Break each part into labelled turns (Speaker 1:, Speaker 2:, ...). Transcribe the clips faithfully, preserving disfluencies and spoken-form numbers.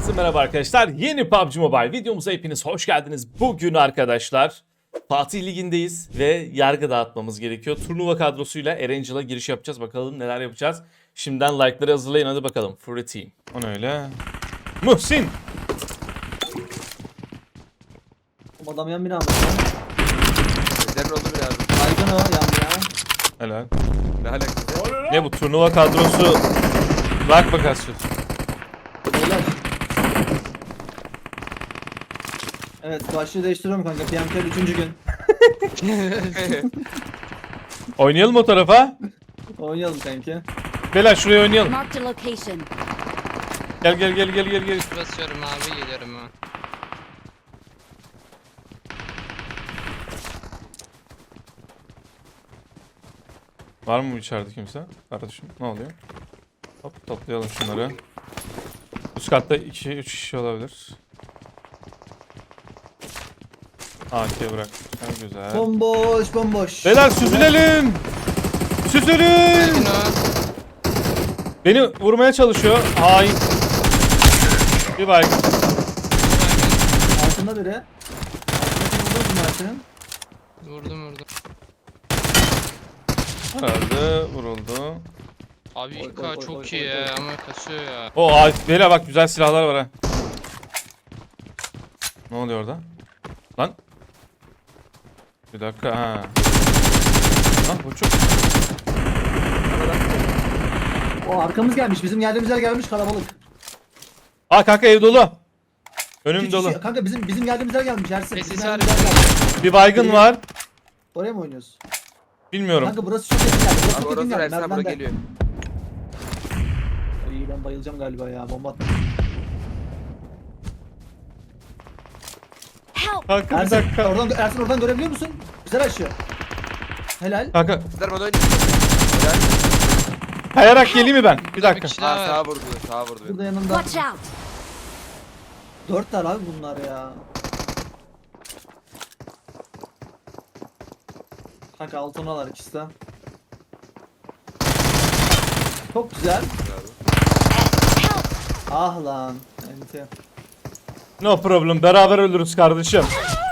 Speaker 1: Herkese merhaba arkadaşlar. Yeni P U B G Mobile videomuza hepiniz hoş geldiniz. Bugün arkadaşlar Fatih Ligi'ndeyiz ve yargı dağıtmamız gerekiyor. Turnuva kadrosuyla Erangel'a giriş yapacağız. Bakalım neler yapacağız. Şimdiden like'ları hazırlayın, hadi bakalım. Free Team. O ne öyle? Muhsin!
Speaker 2: Adam yan bina mı?
Speaker 3: Neden oldu biraz?
Speaker 2: Baygın o yan bina.
Speaker 1: Helal.
Speaker 3: Ne alakası?
Speaker 1: Ne bu turnuva kadrosu? Bak bakasın.
Speaker 2: Beyler. Evet, başlığı değiştiriyorum kanka. P M K üçüncü gün.
Speaker 1: Oynayalım o tarafa.
Speaker 2: Oynayalım kanki.
Speaker 1: Beyler şuraya oynayalım.
Speaker 4: Marked a location.
Speaker 1: Gel gel gel gel gel gel.
Speaker 5: Basıyorum abi, geliyorum ha.
Speaker 1: Var mı içeride kimse? Kardeşim ne oluyor? Hop toplayalım şunları. Üst katta iki üç kişi olabilir. A K bırak. Ha, güzel.
Speaker 2: Bomboş bomboş.
Speaker 1: Beyler süzülelim. Süzülün.
Speaker 5: Gelin o.
Speaker 1: Beni vurmaya çalışıyor. Hain. Bir baygın.
Speaker 2: Altında biri. Altındakini vurdun mu Mert'in?
Speaker 5: Vurdum vurdum.
Speaker 1: Herhalde vuruldu.
Speaker 5: Abi
Speaker 2: Oy,
Speaker 5: İK
Speaker 2: oy, oy,
Speaker 5: çok
Speaker 2: oy,
Speaker 5: iyi
Speaker 2: oy,
Speaker 5: ya
Speaker 2: oy.
Speaker 5: ama kasıyor ya.
Speaker 1: O ay, beyler bak güzel silahlar var ha. Ne oluyor orada? Lan. Bir dakika ha. Lan bu çok.
Speaker 2: O arkamız gelmiş. Bizim geldiğimiz yer gelmiş kalabalık.
Speaker 1: Aa kanka ev dolu. Önüm
Speaker 2: İki
Speaker 1: dolu.
Speaker 2: kişi- Kanka bizim bizim geldiğimiz yer gelmiş. Ersin.
Speaker 5: Sessiz
Speaker 2: Bizim
Speaker 5: var.
Speaker 2: geldiğimiz yer gelmiş.
Speaker 1: Bir baygın var.
Speaker 2: Oraya mı oynuyoruz?
Speaker 1: Bilmiyorum.
Speaker 2: Kanka burası çok yakın geldi. Burası
Speaker 3: Abi
Speaker 2: çok yakın
Speaker 3: orası
Speaker 2: geldi.
Speaker 3: Ersan bura
Speaker 2: Merdivende.
Speaker 3: geliyor.
Speaker 2: İyi, ben bayılacağım galiba ya. Bomba attım.
Speaker 4: Help!
Speaker 1: Kanka bir
Speaker 2: Ersin
Speaker 1: dakika.
Speaker 2: oradan, Ersin oradan görebiliyor musun? Güzel aşıyor. Helal.
Speaker 1: Kanka
Speaker 3: Kızlar bana oynuyor. Helal.
Speaker 1: kayarak geleyim mi ben? Bir
Speaker 5: Bir
Speaker 1: dakika.
Speaker 5: kişi
Speaker 3: Sağ,
Speaker 5: daha
Speaker 3: sağa
Speaker 5: var.
Speaker 3: vurdu. Sağa vurdu.
Speaker 2: Burada yanında.
Speaker 4: Watch out!
Speaker 2: Dört tane abi bunlar ya. Kanka altınalar ikisi de. Çok güzel. Ah lan. Enti.
Speaker 1: No problem. Beraber ölürüz kardeşim.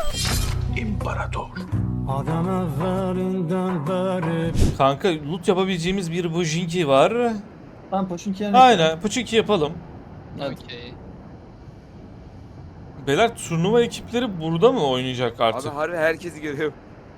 Speaker 6: Adam evvelinden beri
Speaker 1: Kanka loot yapabileceğimiz bir bujinki var.
Speaker 2: Ben Poşinki yani.
Speaker 1: Aynen. Puçinki yapalım.
Speaker 2: Evet.
Speaker 5: Okey.
Speaker 1: Beyler turnuva ekipleri burada mı oynayacak artık?
Speaker 3: Abi harbi herkesi görüyorum.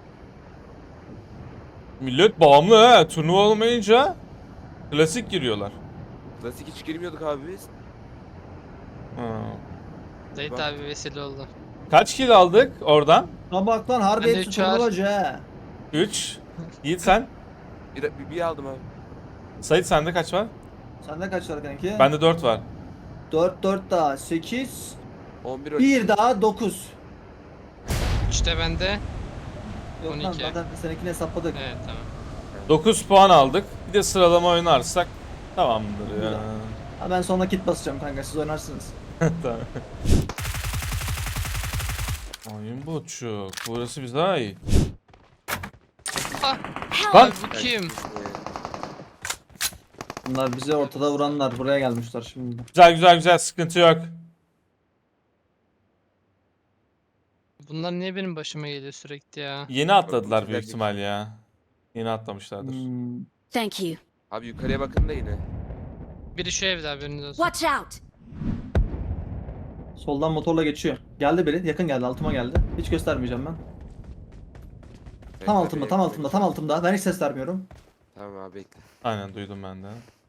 Speaker 1: Millet bağımlı ha. Turnuva olmayınca klasik giriyorlar.
Speaker 3: Klasik hiç girmiyorduk abi biz.
Speaker 1: Ha.
Speaker 5: Zeyt
Speaker 3: Bak.
Speaker 5: abi vesile oldu.
Speaker 1: Kaç kill aldık oradan?
Speaker 2: Lan bak lan harbi
Speaker 5: Ben de
Speaker 2: hepsi
Speaker 5: üç var.
Speaker 2: turnuvacı he.
Speaker 1: üç. Yiğit sen?
Speaker 3: Bir, bir, bir aldım abi.
Speaker 1: Sait sende kaç var?
Speaker 2: Sende kaç var kanki?
Speaker 1: Bende dört var.
Speaker 2: dört dört daha sekiz.
Speaker 3: on bir
Speaker 2: bir daha dokuz.
Speaker 5: İşte bende.
Speaker 2: Yok
Speaker 5: on
Speaker 2: lan
Speaker 5: iki.
Speaker 2: zaten seninkini hesapladık.
Speaker 5: Evet tamam.
Speaker 1: dokuz puan aldık. Bir de sıralama oynarsak tamamdır ya.
Speaker 2: Güzel. Ha, ben sonra kit basacağım kanka siz oynarsınız.
Speaker 1: Tamam. Oyun buçuk. Burası bize ait.
Speaker 5: Ah!
Speaker 1: Lan!
Speaker 5: Abi bu kim?
Speaker 2: Bunlar bizi ortada vuranlar buraya gelmişler şimdi.
Speaker 1: Güzel güzel güzel, sıkıntı yok.
Speaker 5: Bunlar niye benim başıma geliyor sürekli ya?
Speaker 1: Yeni atladılar
Speaker 3: Çok
Speaker 1: büyük
Speaker 3: güzel
Speaker 1: ihtimal ya. Yeni atlamışlardır.
Speaker 2: Hmm.
Speaker 4: Thank you.
Speaker 3: Abi yukarıya bakın da yine.
Speaker 5: Biri şu evde, haberiniz olsun.
Speaker 4: Watch out!
Speaker 2: Soldan motorla geçiyor. Geldi biri yakın geldi altıma geldi. Hiç göstermeyeceğim ben. Tam
Speaker 3: Evet,
Speaker 2: altımda
Speaker 3: abi,
Speaker 2: tam
Speaker 3: evet.
Speaker 2: altımda tam altımda. Ben hiç ses vermiyorum.
Speaker 3: Tamam abi bekle.
Speaker 1: Aynen duydum ben de.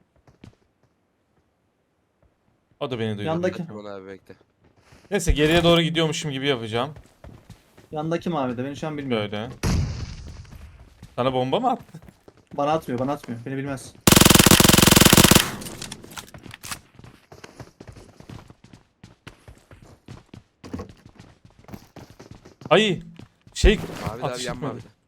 Speaker 1: O da beni duydu.
Speaker 2: Yandaki.
Speaker 3: Tamam abi bekle.
Speaker 1: Neyse geriye doğru gidiyormuşum gibi yapacağım.
Speaker 2: Yandaki mavi de beni şu an bilmiyor.
Speaker 1: Böyle. Sana bomba mı attı?
Speaker 2: Bana atmıyor bana atmıyor. Beni bilmez.
Speaker 1: Ay şey
Speaker 3: Abi
Speaker 1: atış
Speaker 3: abi yanma
Speaker 1: etmedi.
Speaker 3: abi.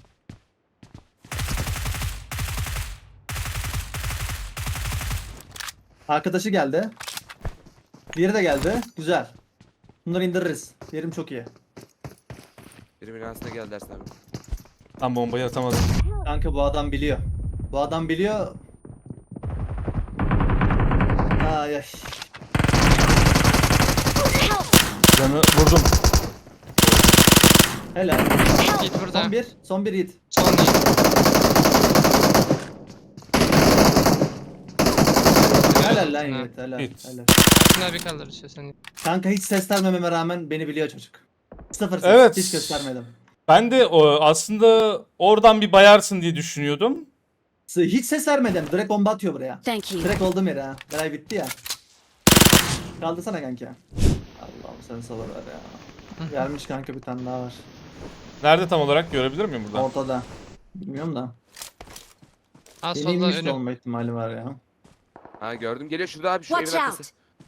Speaker 2: Arkadaşı geldi. Diğeri de geldi. Güzel. Bunları indiririz. Yerim çok iyi.
Speaker 3: Biri binasına gel dersin abi.
Speaker 1: Tam bombayı atamadım.
Speaker 2: Kanka bu adam biliyor. Bu adam biliyor. Ay ay.
Speaker 1: Canı vurdum.
Speaker 2: Helal.
Speaker 5: Git burada.
Speaker 2: Son bir. Son bir Yiğit.
Speaker 5: Son değil.
Speaker 2: Helal lan
Speaker 5: Ha.
Speaker 2: Yiğit. Helal.
Speaker 1: Yiğit.
Speaker 2: Helal.
Speaker 5: Şuna bir kaldır işte sen.
Speaker 2: Kanka hiç ses vermememe rağmen beni biliyor çocuk. Sıfır ses.
Speaker 1: Evet.
Speaker 2: Hiç göstermedim.
Speaker 1: Ben de o, aslında oradan bir bayarsın diye düşünüyordum.
Speaker 2: Hiç ses vermedim. Direkt bomba atıyor buraya.
Speaker 4: Thank you.
Speaker 2: Direkt olduğum yere ha. Beray bitti ya. Kaldırsana kanka. Allah'ım sen sabır ver ya. Gelmiş kanka bir tane daha var.
Speaker 1: Nerede tam olarak görebilir miyim buradan?
Speaker 2: Ortada. Bilmiyorum da.
Speaker 5: Ha
Speaker 2: Yeni
Speaker 5: solda
Speaker 2: inmiş de
Speaker 5: önüm.
Speaker 2: olma ihtimali var ya.
Speaker 3: Ha gördüm geliyor şurada abi şu evin
Speaker 4: Watch
Speaker 3: arkası.
Speaker 4: out.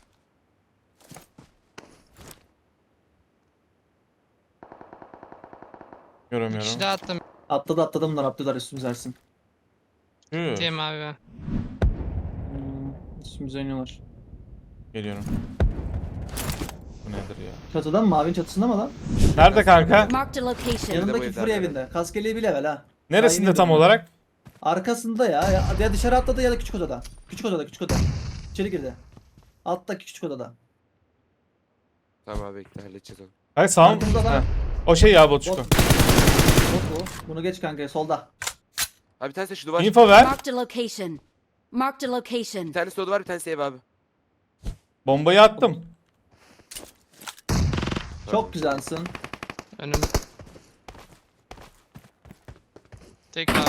Speaker 5: Bir
Speaker 1: Göremiyorum.
Speaker 5: kişi daha attım.
Speaker 2: Atladı atladı bunlar atladılar üstümüze Ersin.
Speaker 1: Hı,
Speaker 5: Diyeyim abi ben.
Speaker 2: Hmm, üstümüze iniyorlar.
Speaker 1: geliyorum. Bu nedir ya?
Speaker 2: Çatıdan mı? Mavinin çatısında mı lan?
Speaker 1: Nerede kanka?
Speaker 4: Marked a location.
Speaker 2: Yanındaki
Speaker 3: evde
Speaker 2: Fury
Speaker 3: arkada.
Speaker 2: evinde. Kaskeliği bir level ha.
Speaker 1: Neresinde
Speaker 2: Daha
Speaker 1: tam
Speaker 2: yeni
Speaker 1: olarak?
Speaker 2: Arkasında ya. ya. Ya dışarı atladı ya da küçük odada. Küçük odada küçük odada. İçeri girdi. Alttaki küçük odada.
Speaker 3: Tamam abi bekle halledeceğiz onu.
Speaker 1: Hayır sağ mı?
Speaker 2: Arkamızda da.
Speaker 1: Heh. O şey ya Botçuko.
Speaker 2: Bot. Bot bu. Bunu geç kanka solda.
Speaker 3: Abi bir tanesi de şu duvar.
Speaker 1: Info ver.
Speaker 4: Marked a location. Marked a location.
Speaker 3: Bir tanesi de o duvar bir tanesi ev abi.
Speaker 1: Bombayı attım.
Speaker 2: Çok güzelsin.
Speaker 5: Önüm. Tek abi.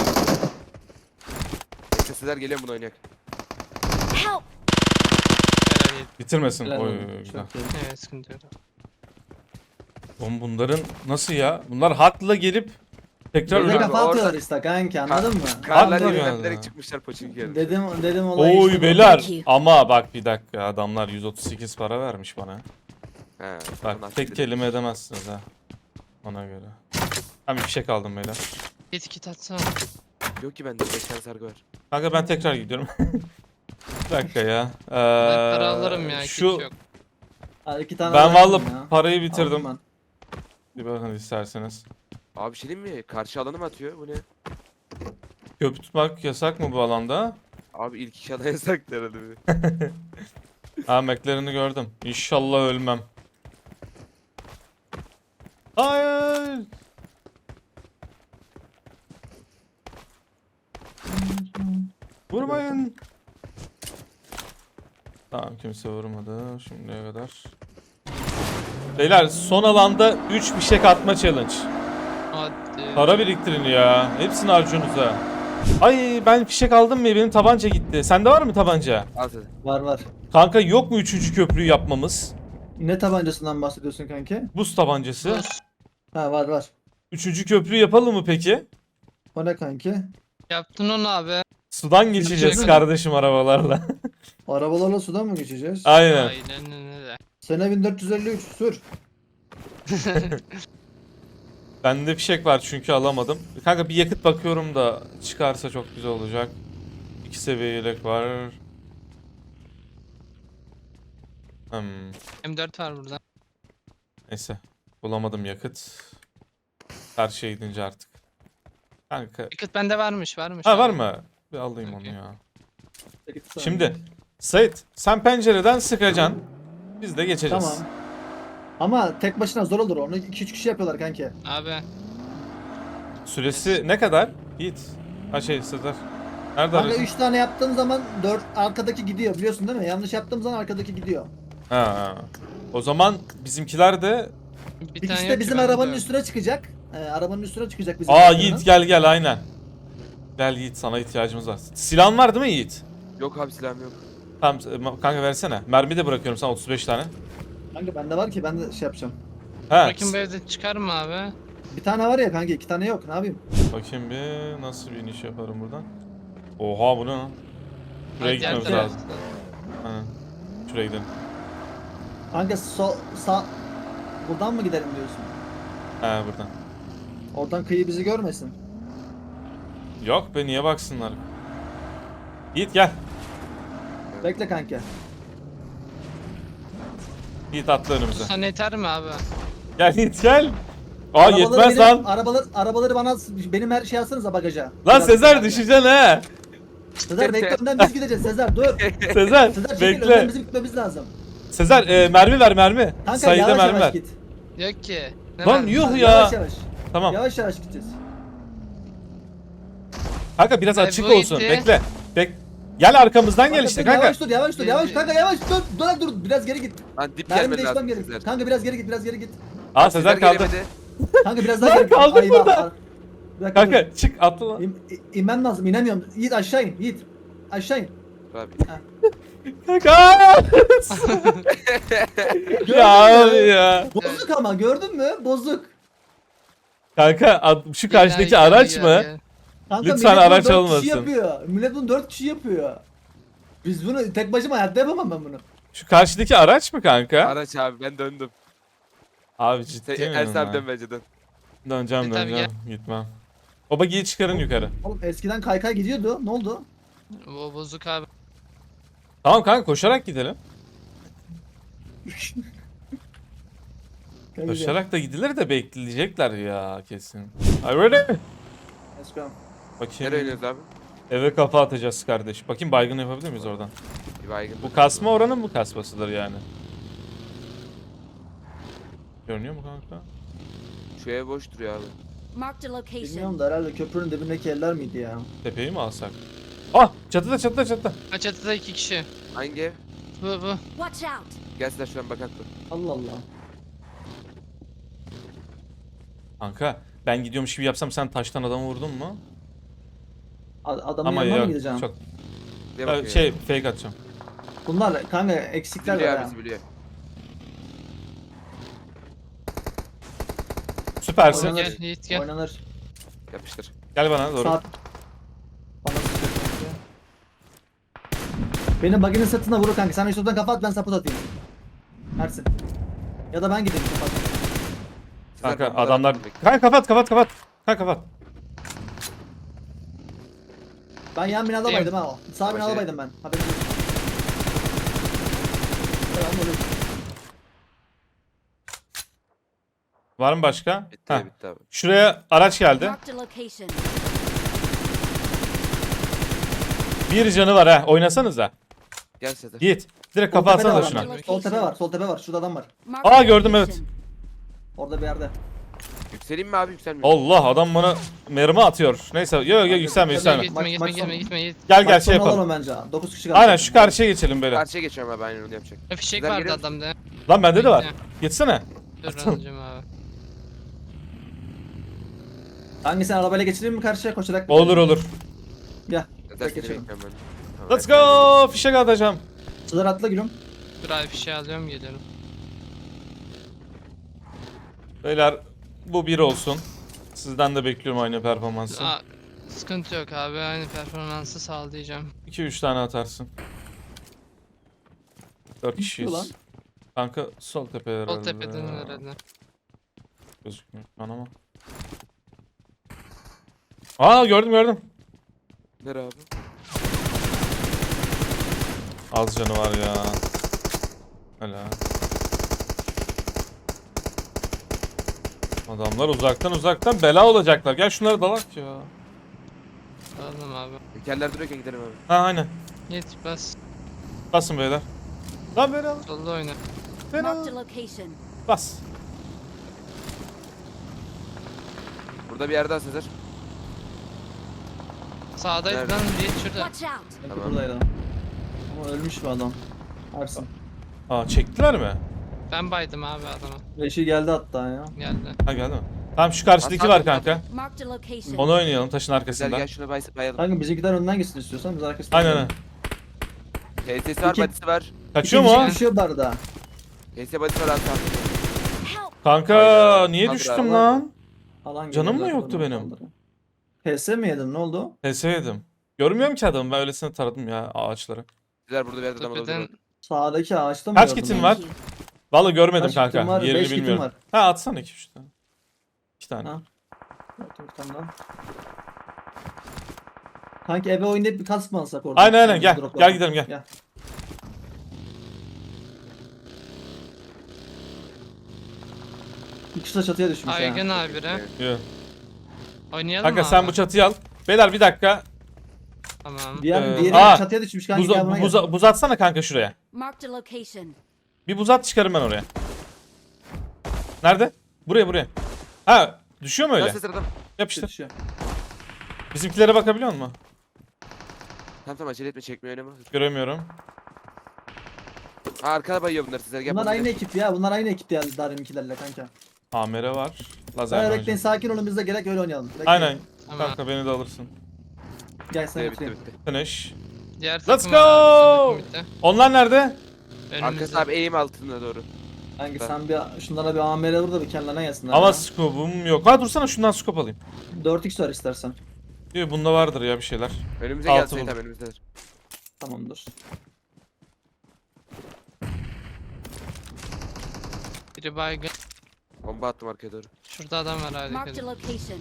Speaker 3: Sesler geliyor bunu oynayak.
Speaker 4: Help!
Speaker 5: Helal yedi.
Speaker 1: Bitirmesin.
Speaker 2: Helal
Speaker 1: Oy,
Speaker 2: olsun.
Speaker 1: güzel.
Speaker 2: Çok iyi.
Speaker 5: Evet sıkıntı yok.
Speaker 1: Oğlum bunların nasıl ya? Bunlar hakla gelip tekrar
Speaker 2: Bir de
Speaker 3: Öyle-
Speaker 1: öyle...
Speaker 2: kafa
Speaker 3: Orada-
Speaker 2: atıyorlar işte kanka anladın mı?
Speaker 3: Karlar
Speaker 1: Haklı
Speaker 3: yerinden
Speaker 1: yani.
Speaker 3: bilerek çıkmışlar poçink yerine.
Speaker 2: Dedim dedim olayı
Speaker 1: Oy
Speaker 2: işte bu.
Speaker 1: beyler.
Speaker 4: Thank you.
Speaker 1: Ama bak bir dakika adamlar yüz otuz sekiz para vermiş bana.
Speaker 3: He,
Speaker 1: Bak
Speaker 3: ondan
Speaker 1: tek
Speaker 3: sonra-
Speaker 1: kelime edemezsiniz ha. Ona göre. Ben bir fişek aldım beyler.
Speaker 5: Git git atsana.
Speaker 3: Yok ki bende beş tane sargı var.
Speaker 1: Kanka ben tekrar gidiyorum. Bir dakika ya. Ee,
Speaker 5: Ben para alırım ya.
Speaker 1: Şu
Speaker 5: Kit yok.
Speaker 2: Ha, iki tane
Speaker 1: ben
Speaker 2: bıraktım
Speaker 1: vallahi
Speaker 2: ya.
Speaker 1: parayı
Speaker 2: Aldım
Speaker 1: bitirdim.
Speaker 2: ben.
Speaker 1: Bir bakın isterseniz.
Speaker 3: Abi bir şey diyeyim mi? Karşı alanı mı atıyor? Bu ne?
Speaker 1: Köprü tutmak yasak mı bu alanda?
Speaker 3: Abi ilk iki alan yasak herhalde. bir.
Speaker 1: Ha McLaren'ı gördüm. İnşallah ölmem. Hayır. Vurmayın. Tamam kimse vurmadı şimdiye kadar. Beyler son alanda üç fişek atma challenge.
Speaker 5: Hadi.
Speaker 1: Para biriktirin ya. Hepsini harcıyorsunuz ha. Ay ben fişek aldım mı? Benim tabanca gitti. Sende var mı tabanca?
Speaker 3: Al sen.
Speaker 2: Var var.
Speaker 1: Kanka yok mu üçüncü köprüyü yapmamız?
Speaker 2: Ne tabancasından bahsediyorsun kanki?
Speaker 1: Buz tabancası.
Speaker 5: Dur.
Speaker 2: Ha var var.
Speaker 1: Üçüncü köprüyü yapalım mı peki?
Speaker 2: O ne kanki?
Speaker 5: Yaptın onu abi.
Speaker 1: Sudan geçeceğiz
Speaker 5: Geçelim.
Speaker 1: kardeşim arabalarla.
Speaker 2: Arabalarla sudan mı geçeceğiz?
Speaker 1: Aynen.
Speaker 5: Aynen öyle.
Speaker 2: Sene bin dört yüz elli üç sür.
Speaker 1: Bende fişek var çünkü alamadım. Kanka bir yakıt bakıyorum da çıkarsa çok güzel olacak. İki seviye yelek var. Hmm,
Speaker 5: M dört var burada.
Speaker 1: neyse. Bulamadım yakıt. Karşıya gidince artık. Kanka.
Speaker 5: Yakıt bende varmış varmış.
Speaker 1: Ha
Speaker 5: abi.
Speaker 1: var mı? Bir alayım onu
Speaker 5: Okey.
Speaker 1: ya.
Speaker 2: Git sana.
Speaker 1: Şimdi Sait sen pencereden sıkacaksın. Biz de geçeceğiz.
Speaker 2: Tamam. Ama tek başına zor olur. Onu iki üç kişi yapıyorlar kanki.
Speaker 5: Abi.
Speaker 1: Süresi ne kadar? Yiğit. Ha şey Sezer. Nerede
Speaker 2: Kanka
Speaker 1: arıyorsun?
Speaker 2: üç tane yaptığın zaman dört arkadaki gidiyor biliyorsun değil mi? Yanlış yaptığım zaman arkadaki gidiyor.
Speaker 1: Ha, ha. O zaman bizimkiler de...
Speaker 5: Bir tane
Speaker 2: İkisi
Speaker 5: yok
Speaker 2: de
Speaker 5: ki,
Speaker 2: bizim
Speaker 5: bende
Speaker 2: arabanın
Speaker 5: yok.
Speaker 2: üstüne çıkacak. Ee, arabanın üstüne çıkacak bizim.
Speaker 1: Aa
Speaker 2: arabanın.
Speaker 1: Yiğit gel gel aynen. Gel Yiğit sana ihtiyacımız var. Silahın var değil mi Yiğit?
Speaker 3: Yok abi silahım yok.
Speaker 1: Tamam e, kanka versene. Mermi de bırakıyorum sana otuz beş tane.
Speaker 2: Kanka bende var ki ben de şey yapacağım.
Speaker 1: He.
Speaker 5: Bakayım bu evde çıkar mı abi?
Speaker 2: Bir tane var ya kanka iki tane yok ne yapayım?
Speaker 1: Bakayım bir nasıl bir iniş yaparım buradan. Oha bu ne lan? Şuraya
Speaker 5: Hadi,
Speaker 1: gitmemiz
Speaker 5: gel,
Speaker 1: lazım. Aynen. Şuraya gidelim.
Speaker 2: Kanka sol sağ buradan mı gidelim diyorsun?
Speaker 1: He buradan.
Speaker 2: Oradan kıyı bizi görmesin.
Speaker 1: Yok be niye baksınlar? Yiğit gel.
Speaker 2: Bekle kanka.
Speaker 1: Yiğit atla önümüze.
Speaker 5: Sana yeter mi abi?
Speaker 1: Gel Yiğit gel. Aa
Speaker 2: Arabaları
Speaker 1: yetmez
Speaker 2: benim-
Speaker 1: lan.
Speaker 2: Arabalar, arabaları bana benim her şey alsanıza bagaja.
Speaker 1: Lan
Speaker 2: Biraz-
Speaker 1: Sezer düşeceksin he.
Speaker 2: Sezer bekle önden biz gideceğiz Sezer dur.
Speaker 1: Sezer
Speaker 2: Sezer çekil önden
Speaker 1: bekle.
Speaker 2: bizim gitmemiz lazım.
Speaker 1: Sezer e, mermi ver mermi.
Speaker 2: Kanka
Speaker 1: Sayıda
Speaker 2: yavaş
Speaker 1: mermi
Speaker 2: yavaş
Speaker 1: ver.
Speaker 2: git.
Speaker 5: Yok ki. Ne
Speaker 1: Lan
Speaker 5: var?
Speaker 1: yuh ya.
Speaker 2: Yavaş yavaş.
Speaker 1: Tamam.
Speaker 2: Yavaş yavaş gideceğiz.
Speaker 1: Kanka biraz
Speaker 5: Ay,
Speaker 1: açık
Speaker 5: bu
Speaker 1: olsun.
Speaker 5: gitti.
Speaker 1: Bekle. Bek. Gel arkamızdan gel
Speaker 2: Kanka,
Speaker 1: işte
Speaker 2: dur,
Speaker 1: kanka.
Speaker 2: Yavaş dur yavaş dur yavaş kanka yavaş dur dur dur biraz geri git.
Speaker 3: Lan dip
Speaker 2: Mermi
Speaker 3: gelmedi
Speaker 2: değişmem
Speaker 3: lazım
Speaker 2: gerek.
Speaker 3: Sezer.
Speaker 2: Kanka biraz geri git biraz geri git.
Speaker 1: Aa Sezer kaldı.
Speaker 3: gelemedi.
Speaker 2: Kanka biraz daha
Speaker 1: Lan
Speaker 2: geri git.
Speaker 1: kaldım
Speaker 2: Ay,
Speaker 1: burada.
Speaker 2: bak, bir dakika, dur.
Speaker 1: Kanka çık atla lan.
Speaker 2: İn, in- inmem lazım inemiyorum. Yiğit aşağı in Yiğit. Aşağı in.
Speaker 3: Abi.
Speaker 1: Kanka.
Speaker 2: Gördün
Speaker 1: ya
Speaker 2: mü?
Speaker 1: abi ya.
Speaker 2: Bozuk ama gördün mü? Bozuk.
Speaker 1: Kanka ad- şu
Speaker 5: Gel,
Speaker 1: karşıdaki
Speaker 5: gel,
Speaker 1: araç
Speaker 5: gel,
Speaker 1: mı?
Speaker 5: gel.
Speaker 2: Kanka
Speaker 1: Lütfen
Speaker 2: millet bunu
Speaker 1: araç
Speaker 2: dört
Speaker 1: olmasın.
Speaker 2: Kişi yapıyor. Millet bunu dört kişi yapıyor. Biz bunu tek başıma hayatta yapamam ben bunu.
Speaker 1: Şu karşıdaki araç mı kanka?
Speaker 3: Araç abi ben döndüm.
Speaker 1: Abi ciddi
Speaker 3: Sen
Speaker 1: mi?
Speaker 3: Ers abi dön bence dön.
Speaker 1: Döneceğim
Speaker 5: Git abi,
Speaker 1: döneceğim. Gitmem. O bagiyi çıkarın yukarı.
Speaker 2: Oğlum eskiden kaykay gidiyordu. Ne oldu?
Speaker 5: O bozuk abi.
Speaker 1: Tamam kanka koşarak gidelim.
Speaker 2: Kanka,
Speaker 1: Koşarak da gidilir de bekleyecekler ya kesin. Are you ready?
Speaker 2: Let's go.
Speaker 1: Bakayım.
Speaker 3: Nereye oynuyoruz abi?
Speaker 1: Eve kafa atacağız kardeş. Bakayım baygın yapabilir miyiz oradan?
Speaker 3: Bir baygın.
Speaker 1: Bu kasma oranın bu kasmasıdır yani. Görünüyor mu kanka?
Speaker 3: Şu ev boş duruyor abi.
Speaker 4: Marked a location.
Speaker 2: Bilmiyorum da herhalde köprünün dibindeki eller miydi ya?
Speaker 1: Tepeyi mi alsak? Ah çatıda çatıda çatıda.
Speaker 5: Ha, çatıda iki kişi.
Speaker 3: Hangi ev?
Speaker 5: Bu bu.
Speaker 4: Watch out.
Speaker 3: Gel Sezer şuradan bakak dur.
Speaker 2: Allah Allah.
Speaker 1: Kanka ben gidiyormuş gibi yapsam sen taştan adamı vurdun mu?
Speaker 2: A- Adamın
Speaker 1: Ama
Speaker 2: yanına mı
Speaker 1: yok
Speaker 2: gideceğim?
Speaker 1: çok.
Speaker 3: Ne
Speaker 1: Ee,
Speaker 3: bakıyor?
Speaker 1: şey fake atacağım.
Speaker 2: Bunlar kanka eksikler
Speaker 3: biliyor
Speaker 2: var
Speaker 3: abi
Speaker 2: ya.
Speaker 3: bizi biliyor.
Speaker 1: Süpersin.
Speaker 2: Oynanır.
Speaker 5: Gel Yiğit gel.
Speaker 2: Oynanır.
Speaker 3: Yapıştır.
Speaker 1: Gel bana doğru.
Speaker 2: Saat. Bana sıkıyor kanka. Benim baginin sırtına vurur kanka. Sen üstünden kafa at ben saput atayım. Ersin. Ya da ben gideyim kapat.
Speaker 3: Sezer,
Speaker 1: Kanka
Speaker 3: bombalar
Speaker 1: adamlar.
Speaker 3: atın, bekle.
Speaker 1: Kanka kapat kapat kapat. Kanka kapat.
Speaker 2: Ben yan binada
Speaker 5: Gideyim.
Speaker 2: baydım ha o. Sağ binada
Speaker 3: şey-
Speaker 2: baydım ben. Haberin olsun. Selamünaleyküm.
Speaker 1: Var mı başka?
Speaker 3: Bitti
Speaker 1: Heh.
Speaker 3: bitti abi.
Speaker 1: Şuraya araç geldi.
Speaker 4: Marked a location.
Speaker 1: Bir canı var ha. Oynasanıza.
Speaker 3: Gel Sezer.
Speaker 1: Yiğit. Direkt
Speaker 2: Sol
Speaker 1: kafa
Speaker 2: tepede
Speaker 1: atsana
Speaker 2: var
Speaker 1: şuna.
Speaker 2: ama. Sol tepe var. Sol tepe var. Şurada adam var.
Speaker 4: Marked
Speaker 1: Aa,
Speaker 4: a
Speaker 1: gördüm, evet.
Speaker 4: location.
Speaker 2: Orada bir yerde.
Speaker 3: Yükseleyim mi abi yükselmiyor.
Speaker 1: Allah adam bana mermi atıyor. Neyse yok yok yükselme yükselme.
Speaker 5: Gitme
Speaker 2: Maç-
Speaker 5: gitme
Speaker 2: maç
Speaker 5: gitme
Speaker 2: sonu.
Speaker 5: gitme Yiğit.
Speaker 1: Gel gel
Speaker 2: Maç
Speaker 1: şey
Speaker 2: sonu
Speaker 1: yapalım.
Speaker 2: alalım bence. dokuz kişi kaldı.
Speaker 1: Aynen şu karşıya geçelim böyle.
Speaker 3: Karşıya geçiyorum abi aynen onu yapacak.
Speaker 5: Ya fişek
Speaker 3: Sezer
Speaker 5: vardı
Speaker 3: geliyor musun?
Speaker 5: adamda.
Speaker 1: Lan bende de var.
Speaker 5: Bekle.
Speaker 1: Geçsene.
Speaker 5: Dur
Speaker 1: Atalım.
Speaker 5: anlayacağım abi.
Speaker 2: Hangisini arabayla geçireyim mi karşıya koşarak? mı?
Speaker 1: Olur olur.
Speaker 2: Gel.
Speaker 3: Sezer seni
Speaker 2: geçelim.
Speaker 3: bekliyorum ben. Tamam,
Speaker 1: Let's
Speaker 3: ben sana
Speaker 1: go. Fişek atacağım.
Speaker 2: Sızar atla gülüm.
Speaker 5: Dur abi fişeği alıyorum geliyorum.
Speaker 1: Beyler bu bir olsun. Sizden de bekliyorum aynı performansı.
Speaker 5: Aa, sıkıntı yok abi aynı performansı sağlayacağım.
Speaker 1: iki üç tane atarsın. dört kişiyiz.
Speaker 2: Ulan.
Speaker 1: Kanka sol tepe herhalde.
Speaker 5: Sol tepeden herhalde.
Speaker 1: Gözükmüyor şu an ama. Aa gördüm gördüm.
Speaker 3: Nere abi?
Speaker 1: Az canı var ya. Hala. Adamlar uzaktan uzaktan bela olacaklar. Gel şunları dalak ya.
Speaker 5: Aldım abi.
Speaker 3: Tekerler duruyorken gidelim abi.
Speaker 1: Ha aynen.
Speaker 5: Yiğit bas.
Speaker 1: Basın beyler. Lan bela.
Speaker 5: Solda oyna.
Speaker 1: Bela.
Speaker 4: Marked a location.
Speaker 1: Bas.
Speaker 3: Burada bir yerde daha Sezer.
Speaker 5: Sağdaydı
Speaker 3: Nerede?
Speaker 5: lan Yiğit şurada.
Speaker 4: Watch out.
Speaker 2: Kanka
Speaker 3: Tamam.
Speaker 2: buradaydı. Ama ölmüş bu adam. Ersin.
Speaker 1: Aa çektiler mi?
Speaker 5: Ben baydım abi adama.
Speaker 2: Reşi geldi hatta ya.
Speaker 5: Geldi.
Speaker 1: Ha geldi mi? Tamam şu karşıdaki
Speaker 3: Hasan
Speaker 1: var
Speaker 3: abi,
Speaker 1: kanka.
Speaker 4: Marked a location.
Speaker 1: Onu oynayalım taşın
Speaker 3: Sezer
Speaker 1: arkasında.
Speaker 3: gel şuna bay bayalım.
Speaker 2: Kanka bizimkiler önden gitsin istiyorsan biz arkasından.
Speaker 1: Aynen aynen.
Speaker 3: H S'si var
Speaker 2: İki-
Speaker 3: badisi var.
Speaker 1: Kaçıyor mu
Speaker 2: İki
Speaker 1: o?
Speaker 2: kişi düşüyor bu arada.
Speaker 3: H S badisi var abi. tamam.
Speaker 4: Help.
Speaker 1: Kanka
Speaker 3: Hayda.
Speaker 1: niye
Speaker 3: Kaldır
Speaker 1: düştüm
Speaker 3: abi.
Speaker 1: lan?
Speaker 2: Alan
Speaker 1: Canım
Speaker 2: geliyor
Speaker 1: mı
Speaker 2: zaten,
Speaker 1: yoktu
Speaker 2: onu
Speaker 1: benim?
Speaker 2: kaldırıyor. P S mi yedin ne oldu?
Speaker 1: P S yedim. Görmüyorum ki adamı ben öylesine taradım ya ağaçları.
Speaker 3: Sezer burada bir yerde adam
Speaker 5: Tepeden
Speaker 3: olabilir.
Speaker 2: Sağdaki ağaçta mı
Speaker 1: Kaç
Speaker 2: gördün
Speaker 1: kitin
Speaker 2: onu?
Speaker 1: var?
Speaker 4: Thank you.
Speaker 1: Vallahi görmedim
Speaker 2: Kaç kitin
Speaker 1: kanka.
Speaker 2: var?
Speaker 1: Yerini
Speaker 2: Beş kitin
Speaker 1: bilmiyorum.
Speaker 2: var.
Speaker 1: Ha atsana iki üç tane. iki tane.
Speaker 2: Ha. Dur, bir tane daha. Kanki eve oynayıp bir kask mı alsak orada?
Speaker 1: Aynen, aynen, gel.
Speaker 2: Droplardan.
Speaker 1: Gel gidelim, gel.
Speaker 2: Gel. İkisi de çatıya düşmüş
Speaker 5: Aygın
Speaker 2: ha.
Speaker 5: abi bire.
Speaker 1: Yo.
Speaker 5: Oynayalım
Speaker 1: Kanka
Speaker 5: mı
Speaker 1: sen
Speaker 5: abi?
Speaker 1: bu çatıyı al. Beyler bir dakika.
Speaker 5: Tamam.
Speaker 2: Diğer,
Speaker 1: Ee,
Speaker 2: diğeri
Speaker 1: aa,
Speaker 2: çatıya düşmüş kanka
Speaker 1: Buz,
Speaker 2: gel buna
Speaker 1: buz,
Speaker 2: gel.
Speaker 1: buz atsana kanka şuraya.
Speaker 4: Marked a location.
Speaker 1: Bir buz at çıkarım ben oraya. Nerede? Buraya buraya. Ha düşüyor mu öyle?
Speaker 3: Nasıl sıradım?
Speaker 1: Yapıştır.
Speaker 2: Düşüyor.
Speaker 1: Bizimkilere bakabiliyor musun?
Speaker 3: Tamam tamam acele etme çekmiyor öyle mi?
Speaker 1: Göremiyorum.
Speaker 3: Ha arkada bayıyor bunlar sizler. Gel
Speaker 2: Bunlar
Speaker 3: bunu
Speaker 2: aynı
Speaker 3: gidelim.
Speaker 2: ekip ya. Bunlar aynı ekip ya Darim'inkilerle kanka.
Speaker 1: Amere var. Lazer
Speaker 2: Hayır
Speaker 1: var.
Speaker 2: bekleyin, sakin olun, biz de gerek öyle oynayalım. Bekleyin.
Speaker 1: Aynen.
Speaker 5: Tamam.
Speaker 1: Kanka beni de alırsın.
Speaker 2: Gel sana
Speaker 3: Bitti bitti
Speaker 2: götüreyim.
Speaker 3: bitti.
Speaker 1: Finish.
Speaker 5: Diğer
Speaker 1: Let's
Speaker 5: takım var abi,
Speaker 1: go!
Speaker 5: bizim takım
Speaker 1: Onlar nerede?
Speaker 5: bitti.
Speaker 3: Arkası
Speaker 5: Önümüzde.
Speaker 3: abi eğim altına doğru.
Speaker 2: Kanka
Speaker 3: Ben-
Speaker 2: sen bir şunlara bir A M R vur da bir kendilerine gelsinler.
Speaker 1: Ama
Speaker 2: ya.
Speaker 1: scope'um yok. Ha dursana şundan scope alayım.
Speaker 2: dört x var istersen.
Speaker 1: Diyor bunda vardır ya bir şeyler.
Speaker 3: Önümüze
Speaker 1: Altı
Speaker 3: gelseydi
Speaker 1: buldum.
Speaker 3: tabii önümüzdedir.
Speaker 2: Tamamdır.
Speaker 5: Biri baygın.
Speaker 3: Bomba attım arkaya doğru.
Speaker 5: Şurada adam var hadi.
Speaker 4: Marked a
Speaker 5: hadi.
Speaker 4: location.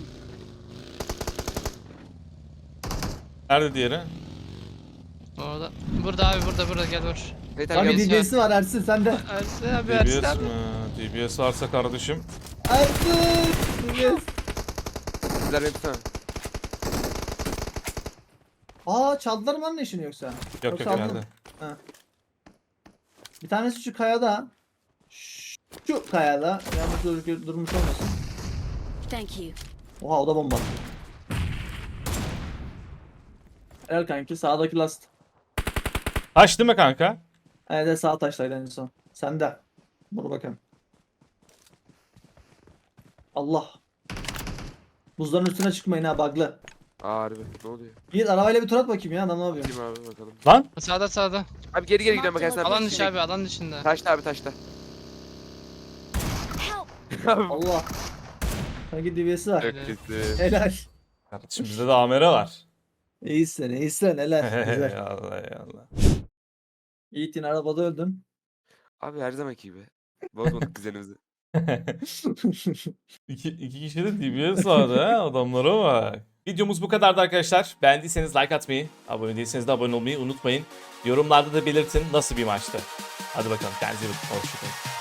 Speaker 1: Nerede diğeri?
Speaker 5: Orada. Burada abi burada burada gel vur.
Speaker 3: Evet
Speaker 2: Abi
Speaker 3: abi gel.
Speaker 5: D-
Speaker 2: D B S'si var Ersin sende.
Speaker 5: Ersin abi
Speaker 1: D B
Speaker 5: Ersin
Speaker 1: S
Speaker 5: abi.
Speaker 1: mi? D B S varsa kardeşim.
Speaker 2: Ersin! D B S.
Speaker 3: Sizler beni tutsana.
Speaker 2: Aa çaldılar mı lan işini yoksa?
Speaker 1: Yok
Speaker 2: Yoksa
Speaker 1: yok
Speaker 2: aldın
Speaker 1: nerede?
Speaker 2: mı? Bir tanesi şu kayada. Şu kayada. Yalnız dur- durmuş olmasın.
Speaker 4: Thank you.
Speaker 2: Oha o da bomba. Helal kanki, sağdaki last.
Speaker 1: Taş değil mi kanka?
Speaker 2: Evet evet, sağ taştaydı en son. Sende. Dur bakalım. Allah. Buzların üstüne çıkmayın ha, bug'lı.
Speaker 3: Aa harbi ne oluyor?
Speaker 2: Git arabayla bir tur at bakayım ya, adam ne yapıyor?
Speaker 3: Kim abi bakalım.
Speaker 1: Lan
Speaker 5: Sağda sağda.
Speaker 3: Abi geri geri gidiyorum bak Ersin abi.
Speaker 5: Alan dışı abi alan dışında.
Speaker 3: Taşta abi taşta.
Speaker 4: Help!
Speaker 2: Allah. Kanki D B S'si var.
Speaker 3: Çok kötü.
Speaker 2: Helal.
Speaker 1: kardeşim bizde de amere var.
Speaker 2: İyisin iyisin helal. Güzel.
Speaker 1: Allah Allah.
Speaker 2: Yiğit yine arabada öldün.
Speaker 3: Abi her zamanki gibi. Bozmadık düzenimizi.
Speaker 1: iki, iki kişi de D B S vardı ha, adamlara bak. Videomuz bu kadardı arkadaşlar. Beğendiyseniz like atmayı, abone değilseniz de abone olmayı unutmayın. Yorumlarda da belirtin nasıl bir maçtı. Hadi bakalım kendinize iyi bakın. Hoşçakalın.